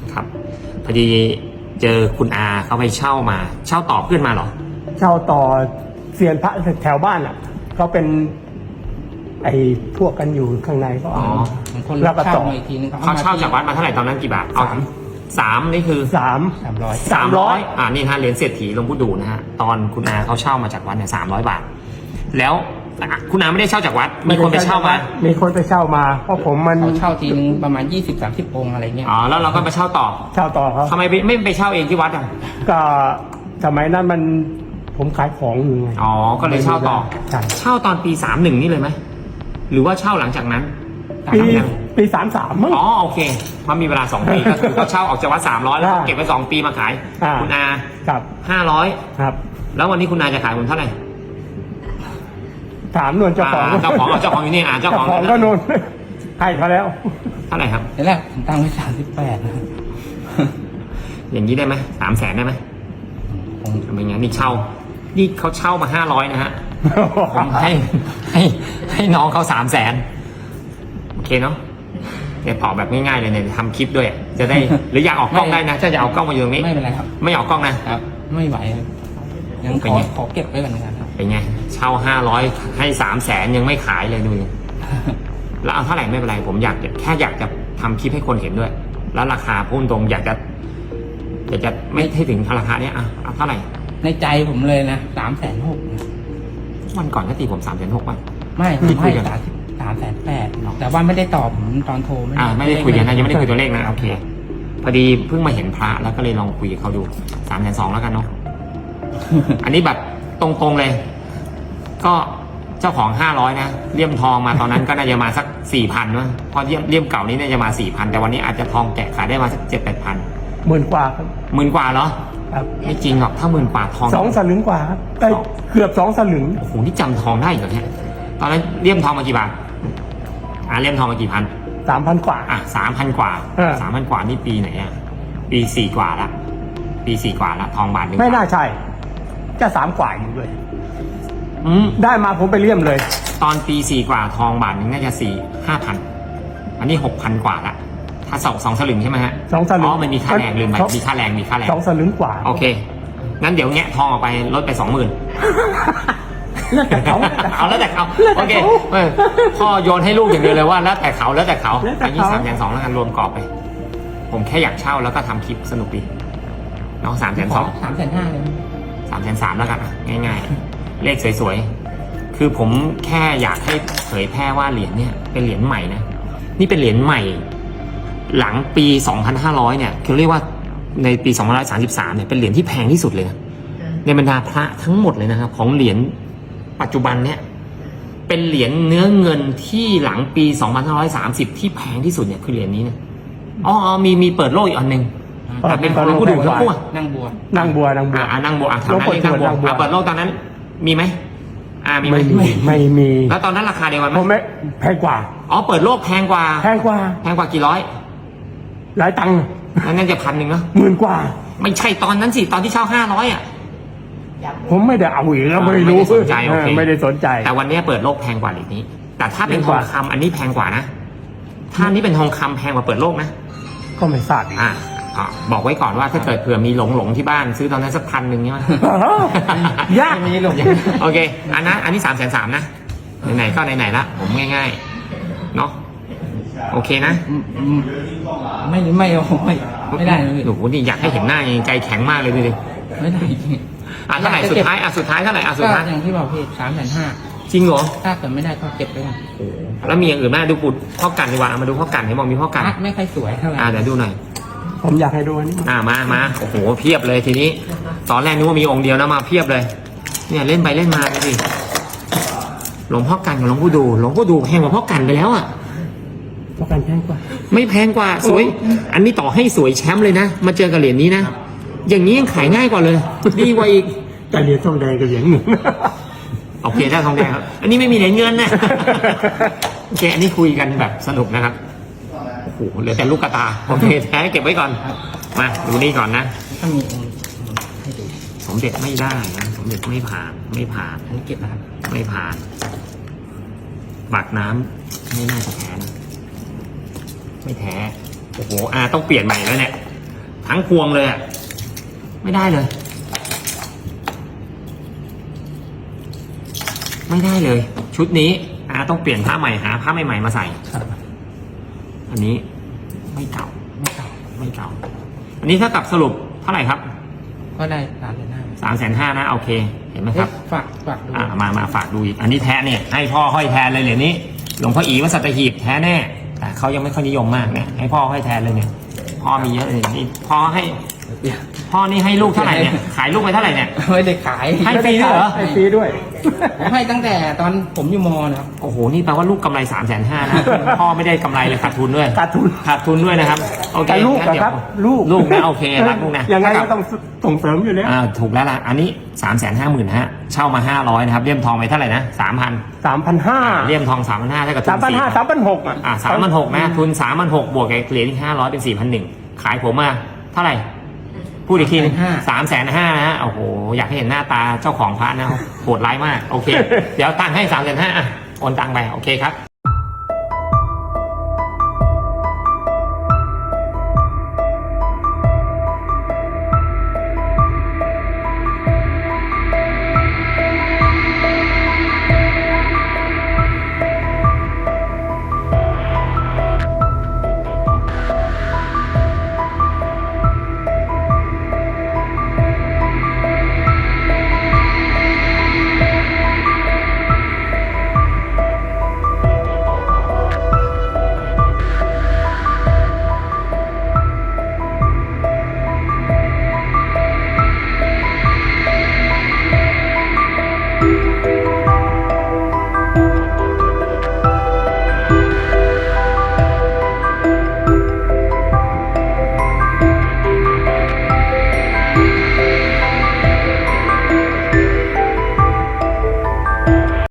ครับพอดีเจอคุณอาเขาไปเช่ามาเช่าต่อเพื่อนมาเหรอเช่าต่อเซียนพระแถวบ้านอ่ะเขาเป็นไอ้พวกกันอยู่ข้างในก็อ๋อเอาคนแล้วก็เช่าต่อมาอีกทีนึงเขาเช่าจากวัดมาเท่าไหร่ตอนนั้นกี่บาทเอาสามนี่คือ 300 300นี่ฮะเหรียญเศรษฐีหลวงปู่ดูนะฮะตอนคุณอาเขาเช่ามาจากวัดเนี่ย300 บาท แล้วคุณอาไม่ได้เช่าจากวัดมีคนไปเช่ามามีคนไปเช่ามาเพราะผมมันเขาเช่าทีนึงประมาณ20-30 องค์อะไรเงี้ยอ๋อแล้วเราก็มาเช่าต่อเช่าต่อเขาทำไมไม่ไปเช่าเองที่วัดอ่ะก็สมัยนั้นมันผมขายของอยู่ไงอ๋อก็เลยเช่าต่อใช่เช่าตอนปี31นี่เลยไหมหรือว่าเช่าหลังจากนั้นปี33มั้งอ๋อโอเคเพราะมีเวลา2 ปีก็คือเขาเช่าออกจากวัด300แล้วเขาเก็บไว้2 ปีมาขายอ่าคุณอาครับ 500 ครับแล้ววันนี้คุณอาจะขายผมเท่าไหร่ถามนวลเจ้าของเจ้าของอยู่นี่เจ้าของก็นวลให้เขาแล้วเท่าไหร่ครับแต่แรกผมตั้งไว้38นะอย่างนี้ได้ไหม300,000ได้ไหมผมทำไมงั้นนี่นี่เขาเช่ามา500นะฮะผมให้น้องเขา300,000โอเคเนาะเนี่ยตอบแบบง่ายๆเลยเนี่ยทำคลิปด้วยจะได้หรืออยากออกกล้องได้นะถ้าจะเอากล้องมาอยู่ตรงนี้ไม่เป็นไรครับไม่ออกกล้องนะครับไม่ไหวครับยังเป็นไงขอเก็บไว้ก่อนนะครับเป็นไงเช่า500ให้300,000ยังไม่ขายเลยดูดิแล้วเอาเท่าไหร่ไม่เป็นไรผมแค่อยากจะทำคลิปให้คนเห็นด้วย แล้วราคาพุ่งตรงอยากจะไม่ให้ถึงราคาเนี้ยเอาเท่าไหร่ในใจผมเลยนะ360,000 วันก่อนก็ตีผม360,000ป่ะไม่ผที่มคุให้ยกัน 380,000แต่ว่าไม่ได้ตอบผมตอนโทรไม่ได้คุยกันนะยังไม่ได้คุยตัวเลขนะโอเคพอดีเพิ่งมาเห็นพระแล้วก็เลยลองคุยกับเขาดู320,000แล้วกันเนาะ อันนี้แบบตรงๆเลย ก็เจ้าของ500นะเลี่ยมทองมาตอนนั้นก็น่าจะมาสัก 4,000นะเพราะเลี่ยมเก่านี้น่าจะมา 4,000แต่วันนี้อาจจะทองแกะขายได้มาสัก 7-8,000 10,000 กว่าครับ 10,000 กว่าเหรอครับไม่จริงหรอกถ้า10,000 กว่าทอง 2 สลึงกว่าครับได้เกือบ2 สลึงโอ้โหนี่จำทองได้เหรอเนี่ยตอนนั้นเลี่ยมทองมากี่บาทเลี่ยมทองมากี่พัน 3,000 กว่า 3,000 กว่า 3,000 กว่านี่ปีไหนปี4 กว่าละปี4 กว่าละทองบาทหนึ่งไม่น่าใช่จะ3 กว่าอยู่เลยอืมได้มาผมไปเลี่ยมเลยตอนปี4 กว่าทองบาทหนึงน่าจะ5,000อันนี้ 6,000 กว่าละถ้า2 สลึงใช่ไหมฮะ 2 สลึงอ๋อมันมีค่าแรงลืมไปมีค่าแรง 2 สลึงกว่าโอเคงั้นเดี๋ยวแงะทองออกไปลดไป 20,000 แล้วแต่เขาเอาแล้วแต่เขาแล้วแต่โอเคเขาพ่อโยนให้ลูกอย่างเดียวเลยว่าแล้วแต่เขาแล้วแต่เขาแล้วแต่อันนี้เขา 3,200แล้วกันรวมกรอบไป ผมแค่อยากเช่าแล้วก็ทำคลิปสนุกดีเนาะ3,200 350,000เลย 3,300แล้วกันง่ายๆ เลขสวยๆ คือผมแค่อยากให้เผยแพร่ว่าเหรียญเนี่ยเป็นเหรียญใหม่นะนี่เป็นเหรียญใหม่ หลังปี 2,500 เนี่ยคือเรียกว่าในปี2,133 เนี่ยเป็นเหรียญที่แพงที่สุดเลยนะในบรรดาพระทั้งหมดเลยนะครับของเหรียญปัจจุบันเนี่ยเป็นเหรียญเนื้อเงินที่หลังปี 2,530 ที่แพงที่สุดเนี่ยคือเหรียญนี้นะอ๋อมีเปิดโลกอีกอันหนึ่งแต่เป็นของหลวงปู่ดูทั้งคู่นั่งบัวนางบัวนางบัวนั่งบัวแถวนั้นเรียกนั่งบัวหลวงปู่ทวดนั่งบัวเปิดโลกตอนนั้นมีไหมมีไหมไม่มีแล้วตอนนั้นราคาเดียวกันไหมผมไม่แพงกว่าอ๋อเปิดโลกแพงกว่าแพงกว่ากี่ร้อยหลายตังค์นั่นจะ1,000เนาะ 10,000 กว่าไม่ใช่ตอนนั้นสิตอนที่เช่า500 ผมไม่ได้เอาอีกแล้วไม่รู้ไม่ได้สนใจโอเคไม่ได้สนใจแต่วันนี้เปิดโลกแพงกว่าเหรียญนี้ แต่ถ้าเป็นแพงทกอว่างคำอันนี้แพงกว่านะถ้าอันนี้เป็นทองคำแพงกว่าเปิดโลกนะก็ไม่ทราบอีกบอกไว้ก่อนว่าถ้าเกิดเผื่อมีหลงที่บ้านซื้อตอนนั้นสัก1,000ใช่ไหมยากมีหลงโอเคอันนี้330,000นะไหนๆก็ไหนๆละผมง่ายๆเนาะโอเคนะไม่ได้เลยโอ้โหนี่อยากให้เห็นหน้ายังใจแข็งมากเลยดูดิไม่ได้จริงเท่าไหร่สุดท้ายสุดท้ายเท่าไหร่สุดท้ายก็อย่างที่บอกพี่350,000 จริงเหรอถ้าเกิดไม่ได้ก็เก็บไปก่อนแล้วมีอย่างอื่นไหมดูปุดพ่อกันดีกว่าเอามาดูพ่อกันเห็นบอกมีพ่อกันไม่ค่อยสวยเท่าไหร่เดี๋ยวดูหน่อยผมอยากให้ดูอันนี้มาโอ้โหเพียบเลยทีนี้ตอนแรกนึกว่ามีองค์เดียวนะมาเพียบเลย เนี่ยเล่นไปเล่นมาดูสิหลวงพ่อกันกับหลวงพ่อดูแพงกว่าพ่อกันไปแล้วอ่ะประกันแพงกว่าไม่แพงกว่าสวย อันนี้ต่อให้สวยแชมป์เลยนะมาเจอกับเหรียญนี้นะอย่างนี้ยังขายง่ายกว่าเลยดีกว่าอีกแต่เหรียญทองแดงกับเหรียญเงินโอเคได้ทองแดงครับอันนี้ไม่มีเหรียญเงินนะโอเคอันนี้คุยกันแบบสนุกนะครับโอ้โหเหลือแต่ลูกกระตาโอเคแท้เก็บไว้ก่อนมาดูนี่ก่อนนะถ้ามีองค์ให้ดูสมเด็จไม่ได้นะสมเด็จไม่ผ่านอันนี้เก็บนะครับไม่ผ่านปากน้ำไม่น่าจะแท้นะไม่แท้โอ้โหต้องเปลี่ยนใหม่แล้วเนี่ยทั้งพวงเลยอ่ะไม่ได้เลย ไม่ได้เลย ชุดนี้ต้องเปลี่ยนผ้าใหม่หาผ้าใหม่ๆมาใส่ครับอันนี้ไม่เก่าไม่เก่าไม่เก่า อันนี้ถ้ากับสรุปเท่าไหร่ครับก็ได้3,500 350,000นะโอเค เห็นไหมครับฝากดูมาฝากดูอีกอันนี้แท้เนี่ยให้พ่อห้อยแทนเลยเหรียญนี้หลวงพ่ออีวัดสัตหีบแท้แน่แต่เขายังไม่ค่อยนิยมมากเนี่ยให้พ่อห้อยแทนเลยเนี่ยพ่อมีเยอะเลยนี่พ่อนี่ให้ลูกเท่าไหร่เนี่ยขายลูกไปเท่าไหร่เนี่ยไม่ได้ขายให้ฟรีด้วยเหรอให้ฟรีด้วยผมให้ตั้งแต่ตอนผมอยู่มนะครับโอ้โหนี่แปลว่าลูกกำไร350,000นะพ่อไม่ได้กำไรเลยขาดทุนด้วยขาดทุนขาดทุนด้วยนะครับโอเคแต่ลูกงั้นเดี๋ยวนะครับลูกลูกนะโอเครักลูกนะยังไงก็ต้องส่งเสริมอยู่แล้วถูกแล้วล่ะอันนี้350,000ฮะเช่ามา500นะครับเลี่ยมทองไปเท่าไหร่นะ 3,000 3,500 เลี่ยมทอง 3,500เท่ากับทุน 3,500 3,600อ่ะ 3,600นะทุน 3,600บวกกับเหรียญอีก500เป็น4,100ขายผมมาเท่าไหร่พูดอีกทีนึง350,000นะฮะโอ้โหอยากให้เห็นหน้าตาเจ้าของพระนะโหดร้ายมากโอเค เดี๋ยวตังค์ให้350,000โอนตังค์ไปโอเคครับ